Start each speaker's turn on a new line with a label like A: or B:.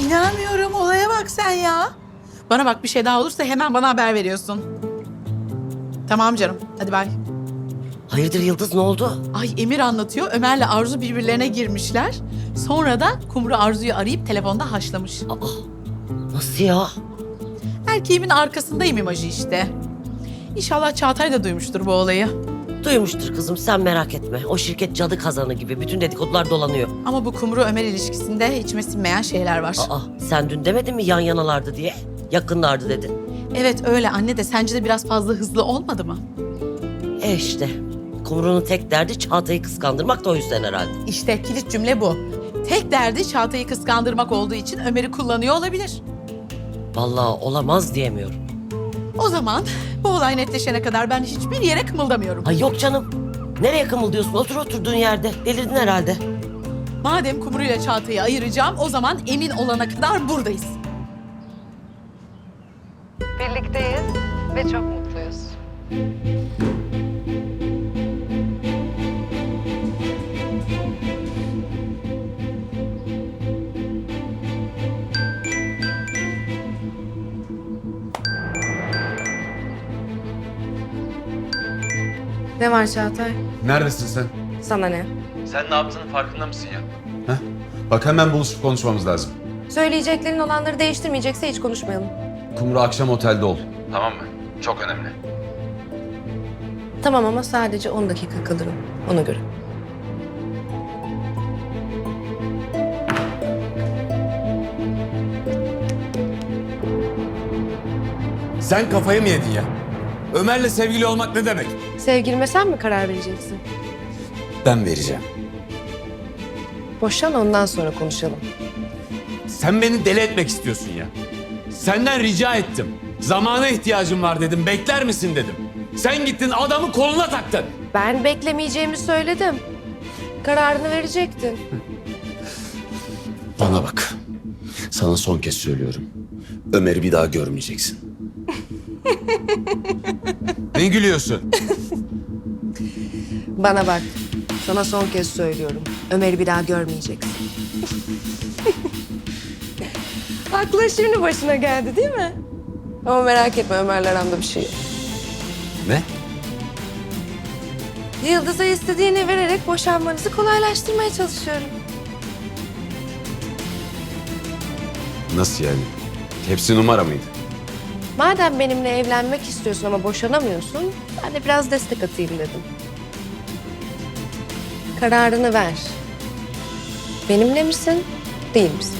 A: İnanmıyorum, olaya bak sen ya. Bana bak, bir şey daha olursa hemen bana haber veriyorsun. Tamam canım, hadi bay.
B: Hayırdır Yıldız, ne oldu?
A: Ay Emir anlatıyor, Ömer'le Arzu birbirlerine girmişler. Sonra da Kumru Arzu'yu arayıp telefonda haşlamış.
B: Aa, nasıl ya?
A: Erkeğimin arkasındayım imajı işte. İnşallah Çağatay da duymuştur bu olayı.
B: Duymuştur kızım, sen merak etme. O şirket cadı kazanı gibi bütün dedikodular dolanıyor.
A: Ama bu Kumru Ömer ilişkisinde içime sinmeyen şeyler var.
B: Aa, sen dün demedin mi yan yanalardı diye? Yakınlardı dedin.
A: Evet öyle anne, de sence de biraz fazla hızlı olmadı mı?
B: İşte Kumru'nun tek derdi Çağatay'ı kıskandırmak da o yüzden herhalde.
A: İşte kilit cümle bu. Tek derdi Çağatay'ı kıskandırmak olduğu için Ömer'i kullanıyor olabilir.
B: Vallahi olamaz diyemiyorum.
A: O zaman bu olay netleşene kadar ben hiçbir yere kımıldamıyorum.
B: Ay yok canım. Nereye kımıldıyorsun? Otur oturduğun yerde. Delirdin herhalde.
A: Madem Kumru ile Çağatay'ı ayıracağım, o zaman emin olana kadar buradayız.
C: Birlikteyiz ve çok mutluyuz.
D: Ne var Çağatay?
E: Neredesin sen?
D: Sana ne?
E: Sen ne yaptığının farkında mısın ya? Heh? Bak hemen buluşup konuşmamız lazım.
D: Söyleyeceklerin olanları değiştirmeyecekse hiç konuşmayalım.
E: Kumru akşam otelde ol. Tamam mı? Çok önemli.
D: Tamam ama sadece 10 dakika kalırım. Ona göre.
F: Sen kafayı mı yedin ya? Ömer'le sevgili olmak ne demek?
D: Sevgilime sen mi karar vereceksin?
F: Ben vereceğim.
D: Boşan ondan sonra konuşalım.
F: Sen beni deli etmek istiyorsun ya. Senden rica ettim. Zamana ihtiyacım var dedim. Bekler misin dedim. Sen gittin adamı koluna taktın.
D: Ben beklemeyeceğimi söyledim. Kararını verecektin.
E: Bana bak. Sana son kez söylüyorum. Ömer'i bir daha görmeyeceksin.
F: Ne gülüyorsun?
D: Bana bak. Sana son kez söylüyorum. Ömer'i bir daha görmeyeceksin. Aklı şimdi başına geldi değil mi? Ama merak etme, Ömer'le aramda bir şey yok.
F: Ne?
D: Yıldız'a istediğini vererek boşanmanızı kolaylaştırmaya çalışıyorum.
E: Nasıl yani? Hepsi numara mıydı?
D: Madem benimle evlenmek istiyorsun ama boşanamıyorsun, ben de biraz destek atayım dedim. Kararını ver. Benimle misin, değil misin?